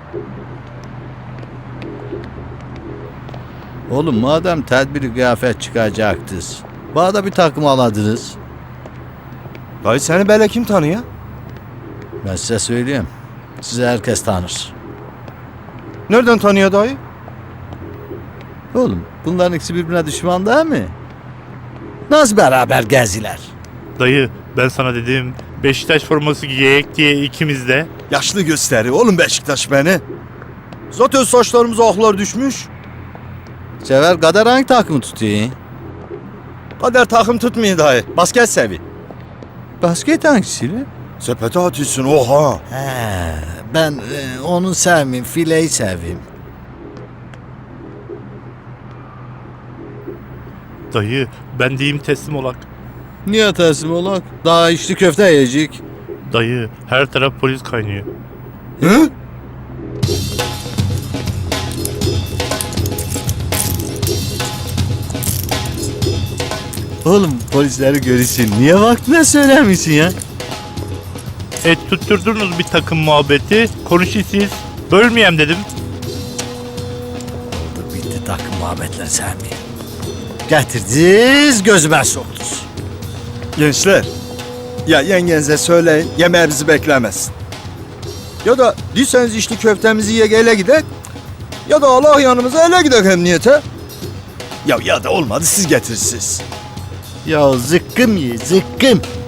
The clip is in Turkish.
Oğlum madem tedbiri kıyafet çıkacaktınız, bana da bir takım aladınız. Dayı seni böyle kim tanıyor? Ben size söyleyeyim. Sizi herkes tanır. Nereden tanıyor dayı? Oğlum bunların ikisi birbirine düşman değil mi? Nasıl beraber geziler? Dayı ben sana dedim Beşiktaş forması giyek diye ikimiz de. Yaşlı gösteri oğlum Beşiktaş beni. Zaten saçlarımıza aklar düşmüş. Sever Kader hangi takımı tutuyor? Kader takım tutmuyor dayı. Basket sevi. Basket hangisiyle? Sepete atıyorsun oha. He, ben onu sevmeyeyim, fileyi seveyim. Dayı ben diyeyim teslim olak. Niye teslim olak? Daha içli köfte yiyecek. Dayı her taraf polis kaynıyor. Hı? Oğlum polisleri görürsün. Niye vaktine söylemişsin ya? Tutturdunuz bir takım muhabbeti. Konuşun siz. Bölmeyeyim dedim. Dur bitti takım muhabbetler sevmeyeyim. Getirdiniz gözüme soktunuz. Gençler. Ya yengenize söyleyin yemeğe bizi beklemesin. Ya da diyseniz içli köftemizi ye ele gidek. Ya da Allah yanımıza ele gidek emniyete. Ya da olmadı siz getirirsiniz. Ya zıkkım ye zıkkım.